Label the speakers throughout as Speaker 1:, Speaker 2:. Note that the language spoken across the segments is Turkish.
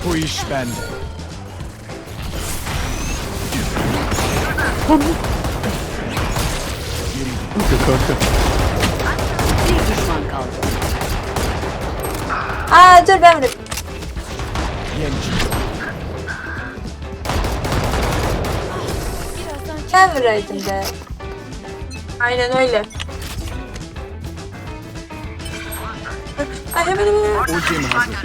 Speaker 1: Bu iş bende.
Speaker 2: Bir düşman kaldı.
Speaker 3: Aa dur ben vurayım.
Speaker 1: Yenci.
Speaker 3: Ben vuraydım be. Aynen öyle. Ay hemen.
Speaker 1: Ultim hazır.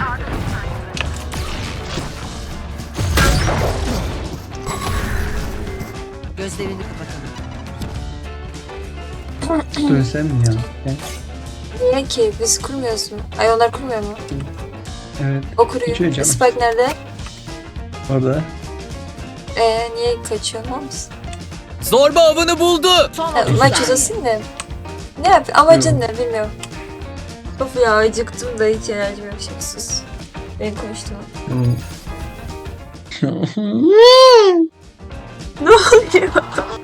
Speaker 2: Gözlerini kapatalım.
Speaker 4: Dönsem mi ya?
Speaker 3: Niye ki? Biz kurmuyoruz mu? Ay onlar kurmuyor mu?
Speaker 4: Evet.
Speaker 3: O
Speaker 4: Kaçıyor
Speaker 3: kuruyor.
Speaker 4: canım.
Speaker 3: Spike nerede?
Speaker 4: Orada.
Speaker 3: Niye kaçıyor musun?
Speaker 5: Zorba avını buldu.
Speaker 2: Son 30
Speaker 3: Maç
Speaker 2: saniye.
Speaker 3: uzasın da. Ne yap? Amacın ne bilmiyorum. Of ya acıktım da hiç enerjim yok. Şimdi sus. Ben konuştum. Ne oluyor?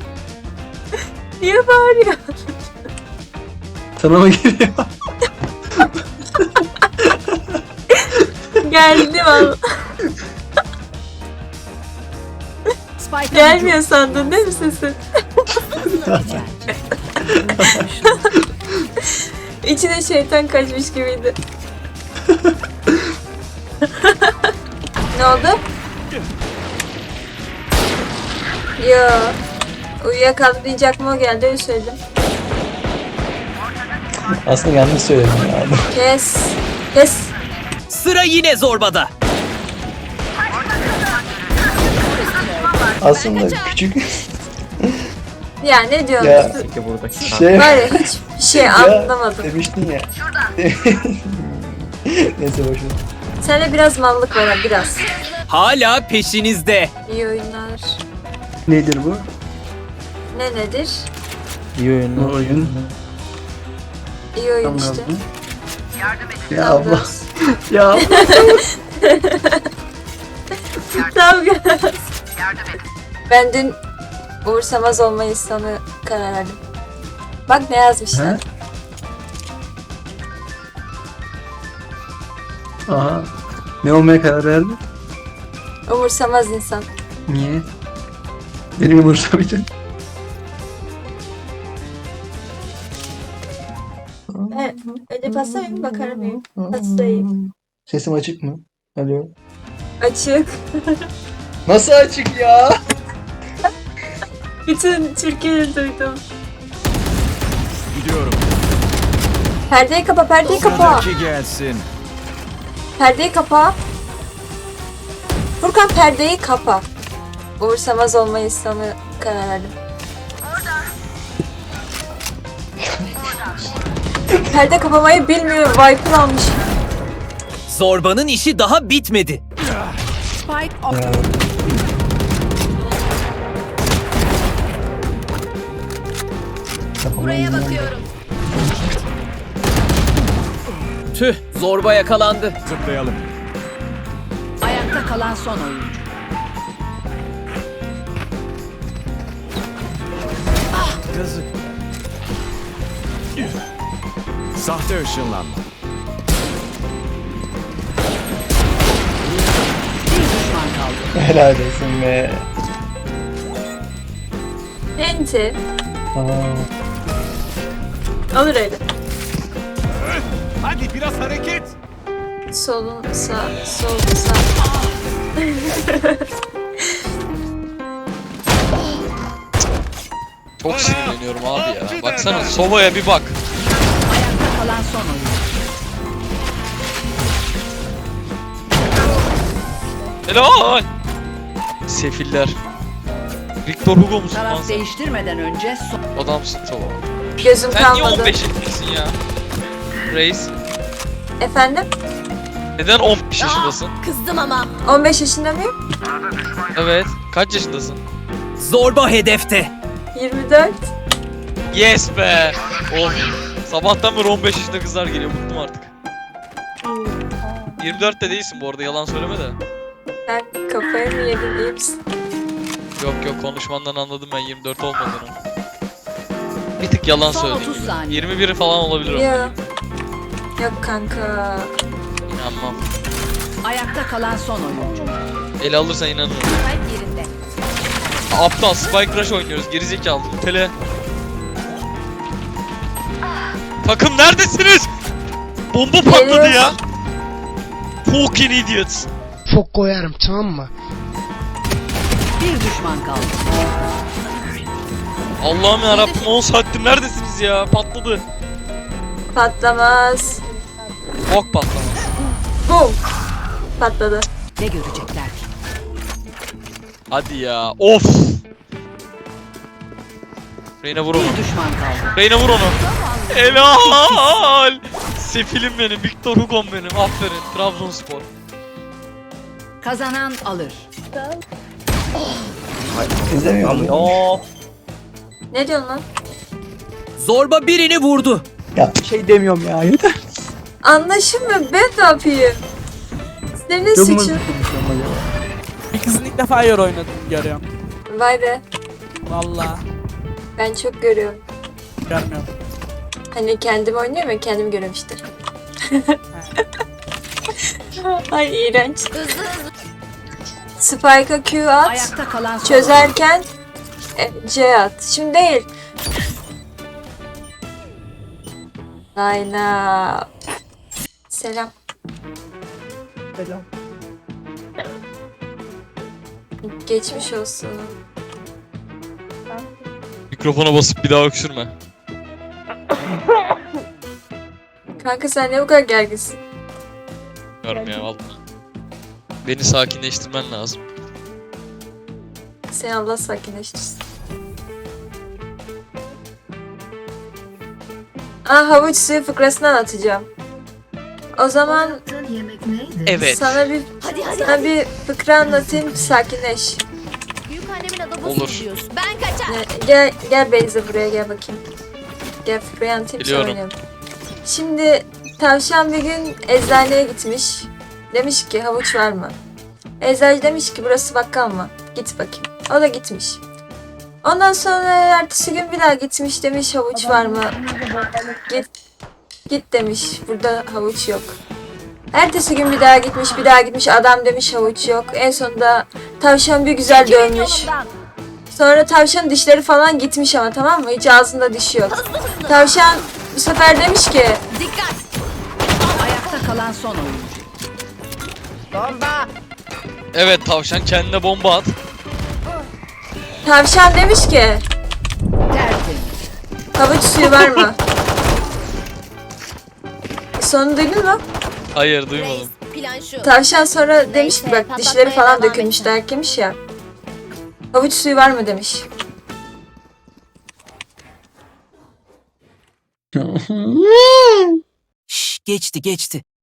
Speaker 3: Niye bağırıyor?
Speaker 4: Sana mı geliyor?
Speaker 3: Geldi valla.
Speaker 2: Spike'a
Speaker 3: Gelmiyor sandın değil mi sesin? İçine şeytan kaçmış gibiydi. Ne oldu? Yo. Uyuyakaldı deyince aklıma o geldi öyle söyledim.
Speaker 4: Aslında yanlış söyledim ya.
Speaker 3: Kes. Kes.
Speaker 5: Sıra yine zorbada.
Speaker 4: Aslında küçük
Speaker 3: Ya ne diyorsun?
Speaker 4: ya şey
Speaker 3: Var ya hiçbir şey anlamadım.
Speaker 4: demiştin ya. Neyse boşver.
Speaker 3: Sende biraz mallık var ha, biraz.
Speaker 5: Hala peşinizde.
Speaker 3: İyi oyunlar.
Speaker 4: Nedir bu?
Speaker 3: Ne nedir?
Speaker 4: İyi oyun. Oyun.
Speaker 3: İyi oyun
Speaker 4: Tam
Speaker 3: işte.
Speaker 4: gaz mı? Ya
Speaker 3: Tam
Speaker 4: abla.
Speaker 3: gaz.
Speaker 4: Ya abla.
Speaker 3: Tam gaz. Ben dün umursamaz olmayı sana karar verdim. Bak ne yazmışlar.
Speaker 4: Ha? Aha. Ne olmaya karar verdin?
Speaker 3: Umursamaz insan.
Speaker 4: Niye? Benim umursamayacak.
Speaker 3: Önce pasta bakarım mıyım? Pastayım.
Speaker 4: Sesim açık mı? Alo.
Speaker 3: Açık.
Speaker 4: Nasıl açık ya?
Speaker 3: Bütün Türkiye'yi duydum.
Speaker 1: Gidiyorum.
Speaker 3: Perdeyi kapa, perdeyi kapa.
Speaker 1: Sıradaki gelsin.
Speaker 3: Perdeyi kapa. Furkan perdeyi kapa. Umursamaz olmayı sana karar verdim. Perde kapamayı bilmiyor. Viper almış.
Speaker 5: Zorbanın işi daha bitmedi.
Speaker 2: Spike off.
Speaker 4: Ya.
Speaker 2: Buraya bakıyorum.
Speaker 5: Tüh, zorba yakalandı.
Speaker 1: Zıplayalım.
Speaker 2: Ayakta kalan son oyuncu.
Speaker 1: Yazık. Sahte ışınlanma.
Speaker 2: Bir düşman kaldı.
Speaker 4: Helal olsun be.
Speaker 3: Enti.
Speaker 4: Aa.
Speaker 3: Alır öyle.
Speaker 1: Hadi biraz hareket.
Speaker 3: Solun sağ, sol sağ.
Speaker 6: Çok sinirleniyorum abi ya. Baksana Sova'ya bir bak.
Speaker 2: Ayakta kalan son oyuncu.
Speaker 6: Helal. Sefiller. Victor Hugo musun lan
Speaker 2: Taraf
Speaker 6: sen?
Speaker 2: değiştirmeden önce son.
Speaker 6: Adamsın Sova.
Speaker 3: Gözüm
Speaker 6: Sen niye
Speaker 3: kalmadı.
Speaker 6: 15 yaşındasın ya? Reis.
Speaker 3: Efendim?
Speaker 6: Neden 15 yaşındasın?
Speaker 2: Kızdım ama.
Speaker 3: 15 yaşında mıyım?
Speaker 6: Evet. Kaç yaşındasın?
Speaker 5: Zorba hedefte.
Speaker 3: 24.
Speaker 6: Yes be. Of. Sabahtan beri 15 yaşında kızlar geliyor. Bıktım artık. 24 de değilsin bu arada. Yalan söyleme de.
Speaker 3: Sen kafayı mı yedin iyi misin?
Speaker 6: Yok yok konuşmandan anladım ben 24 olmadığını. Bir tık yalan
Speaker 2: Son
Speaker 6: söyledin
Speaker 2: 30
Speaker 6: gibi.
Speaker 2: saniye.
Speaker 6: 21 falan olabilir o.
Speaker 3: Yok. Yok kanka.
Speaker 6: İnanmam.
Speaker 2: Ayakta kalan son oyuncu.
Speaker 6: Ele alırsan inanırım. Aptal Spike Rush oynuyoruz. Gerizekalı. Tele. Takım neredesiniz? Bomba patladı ya. Fucking idiots.
Speaker 7: Çok koyarım, tamam mı?
Speaker 2: Bir düşman kaldı.
Speaker 6: Allah'ım yarabbim 10 saattir neredesiniz ya? Patladı.
Speaker 3: Patlamaz.
Speaker 6: Bok patlamaz.
Speaker 3: Bum. Patladı.
Speaker 2: Ne görecekler ki?
Speaker 6: Hadi ya. Of. Reyna vur onu.
Speaker 2: Bir düşman kaldı.
Speaker 6: Reyna vur onu. Helal. Sefilim benim. Victor Hugo'm benim. Aferin. Trabzonspor.
Speaker 2: Kazanan alır.
Speaker 4: İzlemiyor musun?
Speaker 3: Ne diyorsun lan?
Speaker 5: Zorba birini vurdu.
Speaker 4: Ya şey demiyorum ya yeter.
Speaker 3: Anlaşılmıyor. Ben ne yapayım? Senin suçun.
Speaker 8: Bir kızın ilk defa yer oynadım görüyorum.
Speaker 3: Vay be.
Speaker 8: Valla
Speaker 3: Ben çok görüyorum.
Speaker 8: görmüyorum.
Speaker 3: Hani kendim oynuyorum ya kendim görüyorum işte. Ay iğrenç. Spike'a Q at.
Speaker 2: Ayakta kalan son
Speaker 3: Çözerken C at. Şimdi değil. Layla. Selam.
Speaker 8: Selam.
Speaker 3: Geçmiş olsun.
Speaker 6: Mikrofona basıp bir daha öksürme.
Speaker 3: Kanka sen ne bu kadar gerginsin?
Speaker 6: Bilmiyorum ya valla. Beni sakinleştirmen lazım.
Speaker 3: Seni Allah sakinleştirsin. Havuç suyu fıkrasını anlatacağım. O zaman
Speaker 6: Evet.
Speaker 3: sana bir fıkra anlatayım, sakinleş.
Speaker 9: Büyük annemin adamı
Speaker 6: Olur.
Speaker 9: diyorsun. Ben kaçar.
Speaker 3: Gel Beyza buraya gel bakayım. Gel fıkrayı anlatayım sonra
Speaker 6: Biliyorum.
Speaker 3: oynayalım. Şimdi tavşan bir gün eczaneye gitmiş. Demiş ki havuç var mı? Eczacı demiş ki burası bakkal mı? Git bakayım. O da gitmiş. Ondan sonra ertesi gün bir daha gitmiş, demiş havuç var mı? Git demiş, burada havuç yok. Ertesi gün bir daha gitmiş, adam demiş havuç yok. En sonunda tavşan bir güzel dönmüş. Sonra tavşanın dişleri falan gitmiş ama, tamam mı? Hiç ağzında diş yok. Tavşan bu sefer demiş ki
Speaker 9: Dikkat.
Speaker 2: ayakta kalan son oyuncu. Bomba.
Speaker 6: Evet tavşan kendine bomba at.
Speaker 3: Tavşan demiş ki
Speaker 2: Tertemiz.
Speaker 3: havuç suyu var mı? Sonu duydun mu?
Speaker 6: Hayır duymadım.
Speaker 9: Reis, plan şu.
Speaker 3: Tavşan sonra demiş ki bak
Speaker 9: patlatmaya
Speaker 3: dişleri falan
Speaker 9: devam
Speaker 3: dökülmüş,
Speaker 9: edin.
Speaker 3: dayak yemiş ya. Havuç suyu var mı demiş.
Speaker 5: Şş, geçti.